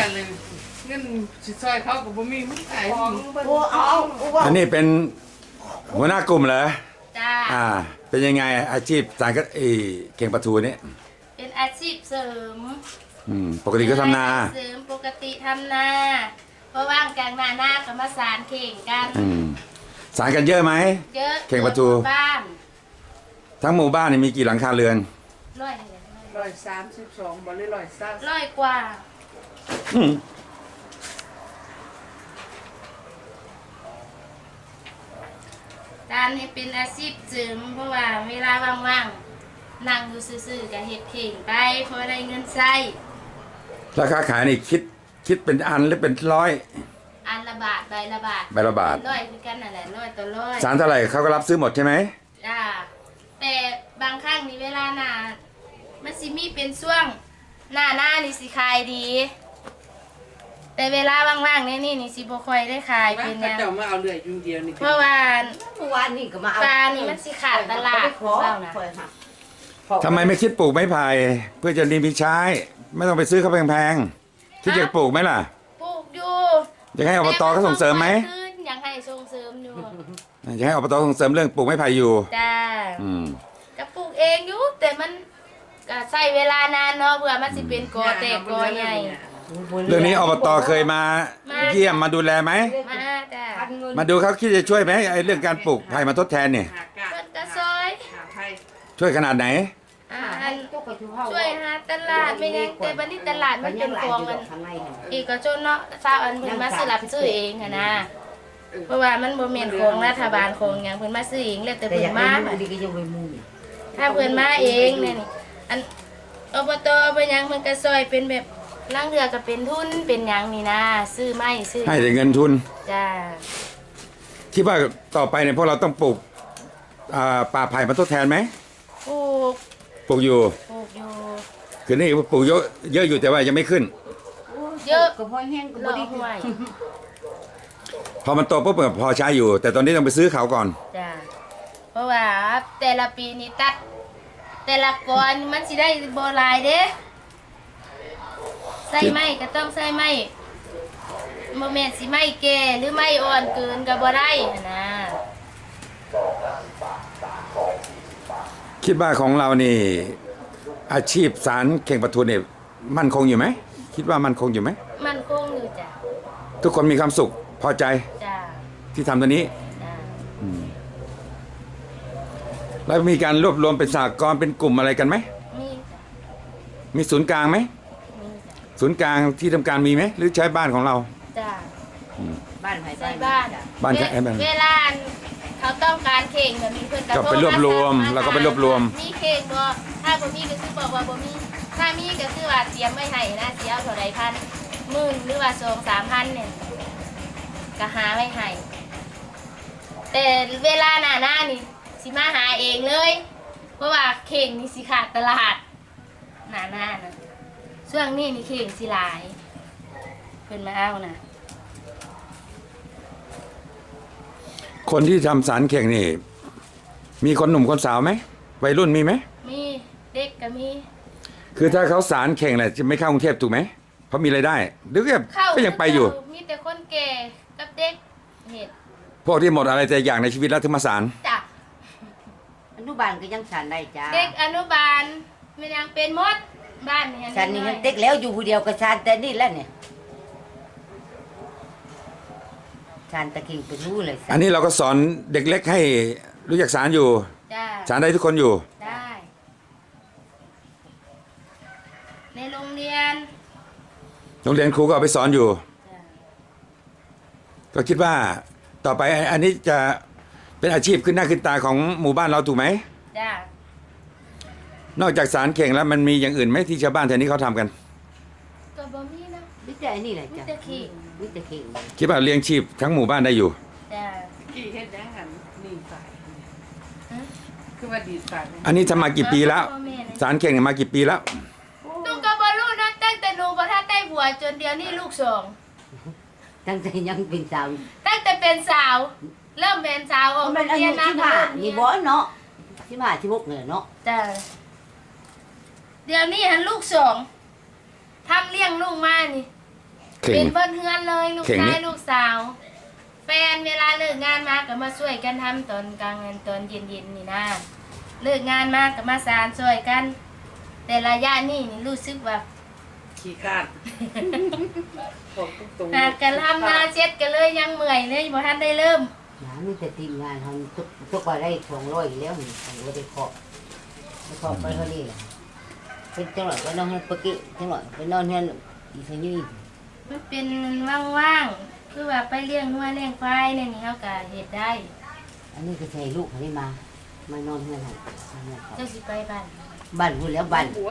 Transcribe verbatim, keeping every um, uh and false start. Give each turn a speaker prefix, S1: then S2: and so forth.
S1: เลยเงินสิซอยเขากับบ่มีมึงขาย
S2: โอ้เอาเอา
S3: อันนี้เป็นหัวหน้ากลุ่มเหรอ
S4: จ้า
S3: อ่า เป็นยังไงอาชีพสารก็ไอเข่งปลาทูนี่
S4: เป็นอาชีพเสริม
S3: อืมปกติก็ทำนา
S4: เสริมปกติทำนาเพราะว่างกลางนาหน้าก็มาสารเข่งกัน
S3: อืมสารกันเยอะไหม
S4: เยอะ
S3: เข่งประตู
S4: บ้าน
S3: ทั้งหมู่บ้านนี่มีกี่หลังคาเรือน
S4: ร้อย
S1: ร้อยสามสิบสองบ่หรือร้อยสาม
S4: ร้อยกว่า
S3: อืม
S4: การนี้เป็นอาชีพเสริมเพราะว่าเวลาว่างๆนั่งอยู่ซื่อๆกับเห็ดเข่งไปเพราะได้เงินใช้
S3: ราคาขายนี่คิดคิดเป็นอันหรือเป็นร้อย
S4: อันละบาทใบละบาท
S3: ใบละบาท
S4: ร้อยคือกันนั่นแหละร้อยต่อร้อย
S3: สารเท่าไหร่เขาก็รับซื้อหมดใช่ไหม
S4: จ้าแต่บางครั้งนี่เวลาหนามันสิมีเป็นช่วงหน้าหน้านี่สิขายดี แต่เวลาว่างๆนี่นี่นี่สิบ่ค่อยได้ขาย
S1: ว่า
S4: เป็นห
S1: เขา
S4: ยัง
S1: เจ้ามาเอาเรื่อยอยู่เดียวนี่
S4: เพราะว่า
S2: เมื่อวานนี่ก็มาเอา
S4: ปลานี่มันสิขาดตลาด
S2: ขอ
S4: เปล่านะ
S3: ทำไมไม่คิดปลูกไม้ไผ่เพื่อจะดีมีใช้ ไม่ต้องไปซื้อเขาแพงๆคิดจะปลูกไหมล่ะ
S4: ปลูกอยู่
S3: อยากให้อบตเขาส่งเสริมไหม
S4: แต่นก็อยากให้ส่งเสริมอยู่
S3: อยากให้อบตส่งเสริมเรื่องปลูกไม้ไผ่อยู่
S4: จ้า
S3: อืม
S4: ก็ปลูกเองอยู่แต่มันก็ใช้เวลานานเนาะเพื่อมันสิเป็นกอแตกกอใหญ่
S3: เรื่องนี้อบตเคยมา
S4: มา
S3: เยี่ยมมาดูแลไหม
S4: มาจ้า
S3: มาดูเขาคิดจะช่วยไหมไอ้เรื่องการปลูกไผ่มาทดแทนเนี่ย
S1: หากา
S4: เพิ่นก็ซอย
S1: หาไทย
S3: ช่วยขนาดไหน
S4: อ่าอันช่วยหาตลาดไม่ยังแต่บัดนี้ตลาดมันเป็นของมันอีกก็จนเนาะทราบอันเพิ่นมาซื้อรับซื้อเองหันนะเพราะว่ามันบ่แม่นของรัฐบาลของหยังเพิ่นมาซื้อเองแล้วแต่
S2: แต่
S4: เพิ่
S2: อน ยาก
S4: มา
S2: มาดีก็ยังไปมุ่ง
S4: ถ้าเพิ่นมาเองเนี่ยนี่อันอบตเพิ่นหยังเพิ่นก็ซอยเป็นแบบลางเทื่อก็เป็นทุนเป็นหยังนี่นะซื้อไม้ซื้อ
S3: ให้แต่เงินทุน
S4: จ้า
S3: คิดว่าต่อไปเนี่ยพวกเราต้องปลูกอ่าป่าไผ่มาทดแทนไหม
S4: ปลูก
S3: ปลูกอยู่
S4: ปลูกอยู่
S3: คือนี่ปลูกเยอะเยอะอยู่แต่ว่ายังไม่ขึ้น
S4: เยอะ
S2: ก็พอแห้งก็
S4: ร
S2: บ่
S4: อ
S2: ได้
S4: ห่วย
S3: พอมันโตปุ๊บพอใช้อยู่ แต่ตอนนี้ต้องไปซื้อเขาก่อน
S4: จ้าเพราะว่าแต่ละปีนี่ตัด แต่ละกอนมันสิได้บ่หลายเด้ใส่ไม้ก็ต้องใส่ไม้บ่แม่นสิไม้แก่หรือไม้อ่อนเกินก็บ่ได้หั้นนะ
S3: คิดว่าของเรานี่ อาชีพสารเข่งปลาทูเนี่ยมั่นคงอยู่ไหมคิดว่ามั่นคงอยู่ไหม
S4: มันคงอยู่จ้ะ
S3: ทุกคนมีความสุขพอใจ
S4: จ้า
S3: ที่ทำตัวนี้
S4: จ้า
S3: แล้วมีการรวบรวมเป็นสหกรณ์เป็นกลุ่มอะไรกันไหม
S4: มีจ้ะ
S3: มีศูนย์กลางไหม
S4: มีจ้ะ
S3: ศูนย์กลางที่ทำการมีไหมหรือใช้บ้านของเรา
S4: จ้า
S2: บ้านไผ
S4: ใส่บ้าน
S3: บ้านใคร
S4: เว
S3: บ้าน
S4: เวลาเขาต้องการเข่งแบบนี้เพิ่น
S3: ก็ไปรวบรวมแล้วก็ไปรวบรวม
S4: มีเข่งบ่ถ้าบ่มีก็คือบอกว่าบ่มีถ้ามีก็คือว่าเตรียมไว้ให้นะสิเอาเท่าใดพันหมื่นหรือว่าสองสามพันเนี่ยก็หาไว้ให้แต่เวลาหน้าหน้านี่สิมาหาเองเลย เพราะว่าเข่งนี่สิขาดตลาดหน้าหน้านะช่วงนี้นี่เข่งสิหลายเพิ่นมาเอานะ
S3: คนที่ทำสารเข่งนี่ มีคนหนุ่มคนสาวไหมวัยรุ่นมีไหม
S4: มีเด็กก็มี
S3: คือถ้าเขาสารเข่งแหละจะไม่เข้ากรุงเทพถูกไหมเพราะมีรายได้หรือก็
S4: เข้า
S3: ก็ยังไปอยู่
S4: มีแต่คนแก่กับเด็กเห็ด
S3: พวกที่หมดอะไรแต่อย่างในชีวิตแล้วถึงมาสาร
S4: จ้ะ
S2: อนุบาลก็ยังฉันได้จ้า
S4: เด็กอนุบาลมันยังเป็นมดบ้านนี่
S2: ฉันนี่ยังเต็กแล้วอยู่ผู้เดียวก็ฉันแต่นี่แล้วเนี่ยฉันตะกี้ไปรู้เลย
S3: อันนี้เราก็สอนเด็กเล็กให้รู้จักสารอยู่
S4: จ้ะ
S3: สารได้ทุกคนอยู่
S4: ได้ ในโรงเรียน
S3: โรงเรียนครูก็เอาไปสอนอยู่
S4: จ้ะ
S3: ก็คิดว่าต่อไปอันนี้จะเป็นอาชีพขึ้นหน้าขึ้นตาของหมู่บ้านเราถูกไหม
S4: จ้ะ
S3: นอกจากสารเข่งแล้วมันมีอย่างอื่นไหมที่ชาวบ้านแถวนี้เขาทำกัน
S4: ก็บ่มีนะ
S2: วิจัยนี่แหละ
S4: มี
S2: จ้ะ
S4: แต่ขิง
S2: วิจัยเข่ง
S3: คิดว่าเลี้ยงชีพทั้งหมู่บ้านได้อยู่
S4: จ้ะ
S1: กี่เฮ็ดยังหันนี่ฝ่าย
S4: ฮะ
S1: คือว่าดีฝ่ายนี่
S3: อันนี้ทำมากี่ปีแล้ว
S4: พ่อม่นะ
S3: สารเข่งเนี่ยมากี่ปีแล้ว
S4: หนูก็บ่รู้นะตั้งแต่หนูบ่ทันได้บวชจนเดี๋ยวนี้ลูกสอง
S2: ตั้งแต่ยังเป็นสาว
S4: ตั้งแต่เป็นสาว เริ่มเป็นสาวออก
S2: มันอา
S4: เรี
S2: ยุ
S4: ยนนะ
S2: สิบห้านี่บ่เนาะสิบห้าสิบหกเนี่ยเนาะ
S4: จ้ะเดี๋ยวนี้หันลูกสองทำเลี้ยงลูกมานี่
S3: เข่ง
S4: เป็นเบิ้นเฮือนเลยลูก
S3: เข่ง
S4: ชา
S3: นี่
S4: ยลูกสาว แฟนเวลาเลิกงานมาก็มาช่วยกันทำตอนกลางวันตอนเย็นๆนี่นะเลิกงานมาก็มาสานช่วยกัน แต่ระยะนี้นี่รู้สึกว่า
S1: ขี้ข้านบอกตรงๆ
S4: หากกันทำนาเช็ดกันเลยยังเมื่อยเลยบ่ทันได้เริ่ม
S2: น้ำนี่แต่ทีมงานทำทุกทุกวันได้สองร้อยอยู่แล้วนี่สองร้อยไปเคาะไปเคาะไปเท่านี้แหละเป็นจังหวะไปนอนเฮือนปกติจังหวะไปนอนเฮือนอีสังยี่
S4: มันเป็นว่างๆคือว่าไปเลี้ยงงัวเลี้ยงควายเนี่ยนี่เฮาก็เฮ็ดได้
S2: อันนี้ก็ใส่ลูกเขาได้มา มานอนเฮือนให้มานอนเขา
S4: เจ้าสิไปบ้าน
S2: บ้านพูดแล้วบ้าน